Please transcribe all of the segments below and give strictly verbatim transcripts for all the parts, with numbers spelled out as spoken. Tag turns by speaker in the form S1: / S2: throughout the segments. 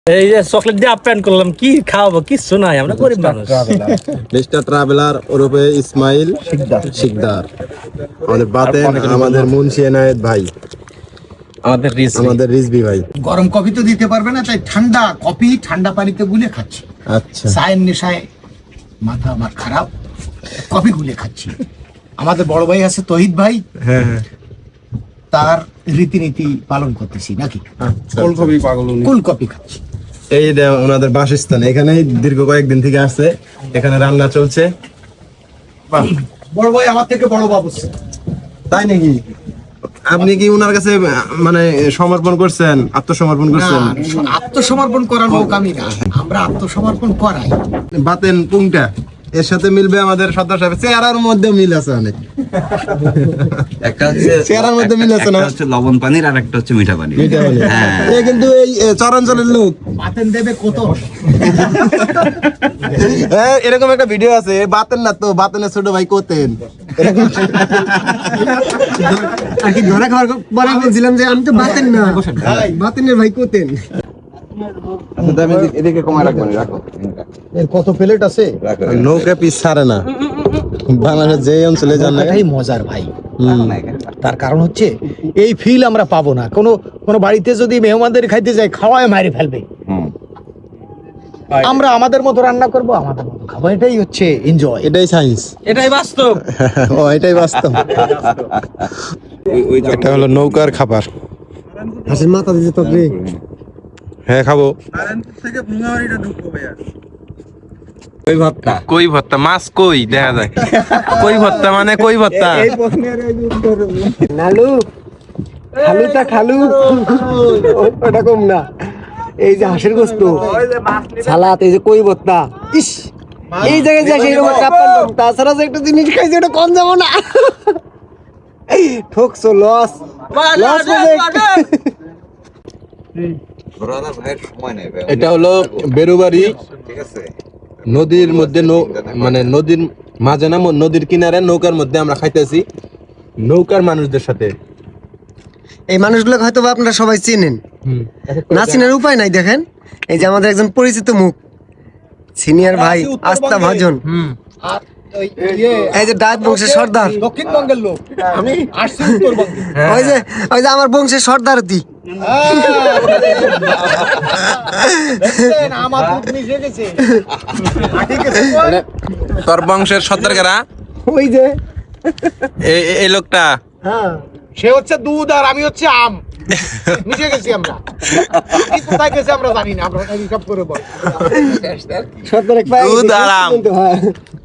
S1: এই যে চকলেট দিয়ে আপ্যায়ন করলাম, কি খাওয়াবো কিছু নাই, আমরা গরিব মানুষ।
S2: মিস্টার ট্রাভেলার ওরফে ইসমাইল শিকদার, আমাদের বাতেন, আমাদের মুন্সি এনায়েত ভাই,
S1: আমাদের রিস
S2: আমাদের রিজবি ভাই।
S3: গরম কফি তো দিতে পারবে না, তাই ঠান্ডা কফি ঠান্ডা পানিতে গুলে খাচ্ছি।
S2: আচ্ছা,
S3: চায়ের নেশায় মাথা আমার খারাপ, কফি গুলে খাচ্ছি। আমাদের বড় ভাই আছে তহিদ ভাই,
S2: হ্যাঁ হ্যাঁ,
S3: তার রীতিনীতি পালন করতেছি নাকি,
S2: ফুলকপি পাগল উনি।
S3: কুল কফি খাচ্ছি।
S2: এই যে ওনাদের বাসস্থান, এখানেই দীর্ঘ কয়েকদিন থেকে আসছে, এখানে রান্না চলছে।
S3: বড় ভাই আমার থেকে বড় বাবু।
S2: তাই নাকি? আপনি কি ওনার কাছে মানে সমর্পণ করছেন, আত্মসমর্পণ করছেন?
S3: না, আত্মসমর্পণ করার লোক আমি না, আমরা আত্মসমর্পণ করাই।
S2: বাতেন পুংটা এর সাথে মিলবে আমাদের সর্দার সাহেব, চেহারার মধ্যে মিল আছে অনেক।
S4: একটা হচ্ছে
S2: চেহারার মধ্যে মিল আছে না?
S4: একটা হচ্ছে লবণ পানির আর একটা হচ্ছে মিঠা পানি।
S2: মিঠা বলে।
S4: হ্যাঁ।
S2: এ কিন্তু এই এ, চরাঞ্চলের লোক।
S3: বাতেন দেবে কত?
S2: হ্যাঁ, এরকম একটা ভিডিও আছে, বাতেন না তো, বাতেনের ছোট ভাই কোতেন।
S5: আর কি ধরা খাওয়ার পরে বলছিলাম যে আমি তো বাতেন না, বাতেনের ভাই কোতেন।
S4: আচ্ছা তুমি এদিকে কমায় রাখবেন, রাখো
S3: এর কত প্লেট আছে?
S4: রাখো।
S2: নৌকা পিস ছাড়ে না বাংলাদেশ যে অঞ্চলে যান না।
S3: এটাই মজার ভাই।
S2: হুম।
S3: তার কারণ হচ্ছে এই ফিল আমরা পাবো না। কোনো কোনো বাড়িতে যদি মেহমানদের খাইতে যাই, খাওয়ায় মারি ফেলবে।
S4: হুম।
S3: আমরা আমাদের মতো রান্না করব, আমাদের মতো খাবো, এটাই হচ্ছে এনজয়।
S2: এটাই সায়েন্স,
S1: এটাই বাস্তব।
S2: ও এটাই বাস্তব।
S4: ওই- ওই
S2: এটা হলো নৌকার খাবার।
S5: হাসির মাথা দিতে তো রে
S2: হ্যাঁ, খাবো।
S4: ওই ভাতটা
S2: কই ভর্তা, মাছ কই দেখা যায়। কই ভর্তা মানে কই ভর্তা।
S5: নালু খালুটা খালু ওটা কম না। এই যে হাঁসের গোস্ত, সালাদ, এই যে কই ভর্তা, ইস এই জায়গায় যে সেই রকম চাপ পারলাম। তাছাড়া যে একটা জিনিস খাইছি ওটা কম যাবো না। ঠকছো, লস লস
S4: ঘোরানো ভাইয়ের সময় নেই ভাই।
S2: এটা হলো বেরুবাড়ি
S4: ঠিক আছে।
S2: নদীর মধ্যে, নৌ- মানে নদীর মাঝে না, নদীর কিনারে নৌকার মধ্যে আমরা খাইতেছি নৌকার মানুষদের সাথে।
S5: এই মানুষগুলোকে হয়তো বা আপনারা সবাই চেনেন, না চেনার উপায় নাই। দেখেন এই যে আমাদের একজন পরিচিত মুখ, সিনিয়র ভাই আস্থা ভাজন, এই যে ডাক বংশের সর্দার,
S3: দক্ষিণবঙ্গের লোক, আমি আসছি উত্তরবঙ্গে।
S5: ওই যে ওই যে আমার বংশের সর্দার দি।
S3: আমার দুধ মিশে গেছে।
S2: তোর বংশের সর্দার কারা?
S5: ওই যে
S2: এই লোকটা।
S5: হ্যাঁ,
S3: সে হচ্ছে দুধ আর আমি হচ্ছে আম, মিশে গেছি আমরা। কি কোথায় গেছে আমরা জানি না, আমরা হিসাব করে বল।
S5: সর্দার এক পায়ে
S2: দুধ আর আম।
S5: কিন্তু হ্যাঁ।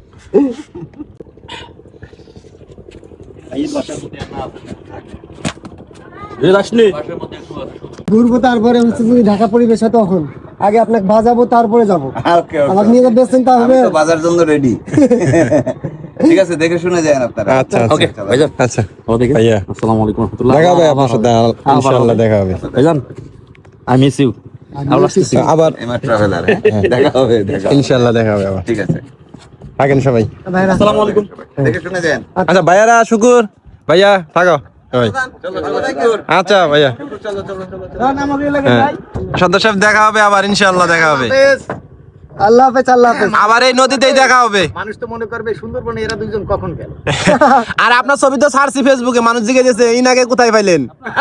S5: ঘুরবো, তারপরে হচ্ছে যদি ঢাকা পরিবেশ হয় তখন আগে আপনাকে বাজাবো, তারপরে যাবো।
S4: ওকে, ওকে।
S5: আমাকে নিয়ে বেচছেন তা
S4: আমি
S5: হবে।
S4: তো বাজার জন্য রেডি। ঠিক আছে, দেখে শুনে যান আপনারা।
S2: আচ্ছা,
S4: ওকে ভাইজান।
S2: আচ্ছা ভাইয়া,
S1: আসসালামু আলাইকুম রাহমাতুল্লাহ।
S2: দেখা হবে আপনার সাথে, ইনশাআল্লাহ দেখা হবে।
S1: ভাইজান, আই মিস ইউ।
S2: আবার
S4: এমআর ট্রাভেলার, দেখা হবে, দেখা হবে।
S2: ইনশাআল্লাহ দেখা হবে আবার।
S4: ঠিক আছে,
S2: থাকেন সবাই।
S5: ভাইরা,
S1: আসসালামু আলাইকুম।
S4: দেখে শুনে যান।
S2: আচ্ছা ভাইয়ারা, শুকুর ভাইয়া, থাকো সবাই।
S4: চলো চলো দেখো।
S2: আচ্ছা ভাইয়া, হ্যাঁ, সর্দার সাহেব দেখা হবে আবার, ইনশাআল্লাহ দেখা হবে
S5: আল্লাহ হাফেজ, আল্লাহ হাফেজ।
S2: আবার, এই নদীতেই দেখা হবে।
S3: মানুষ তো মনে করবে সুন্দরবনে এরা দুইজন কখন গেল।
S2: আর আপনার ছবি তো ছাড়ছি ফেসবুকে, মানুষ জিজ্ঞেস করছে ইনাকে কোথায় পাইলেন।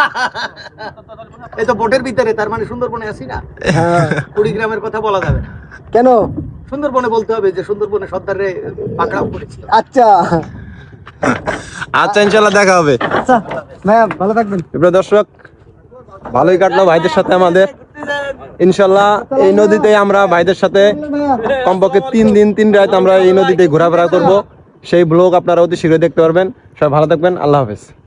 S3: এই তো বোটের ভিতরে, তার মানে সুন্দরবনে আছি না। কুড়িগ্রামের কথা বলা যাবে না,
S5: কেন?
S3: সুন্দরবনে বলতে হবে যে সুন্দরবনে সর্দারে পাকড়াও করেছিল।
S5: আচ্ছা
S2: আচ্ছা, ইনশাআল্লাহ দেখা হবে।
S5: আচ্ছা ভাইয়া, ভালো থাকবেন।
S2: প্রিয় দর্শক, ভালোই কাটলো ভাইদের সাথে আমাদের। ইনশাআল্লাহ এই নদীতে আমরা ভাইদের সাথে কমপক্ষে তিন দিন তিন রাত আমরা এই নদীতে ঘোরাফেরা করব। সেই ব্লগ আপনারা অতি শীঘ্রই দেখতে পারবেন। সবাই ভালো থাকবেন, আল্লাহ হাফেজ।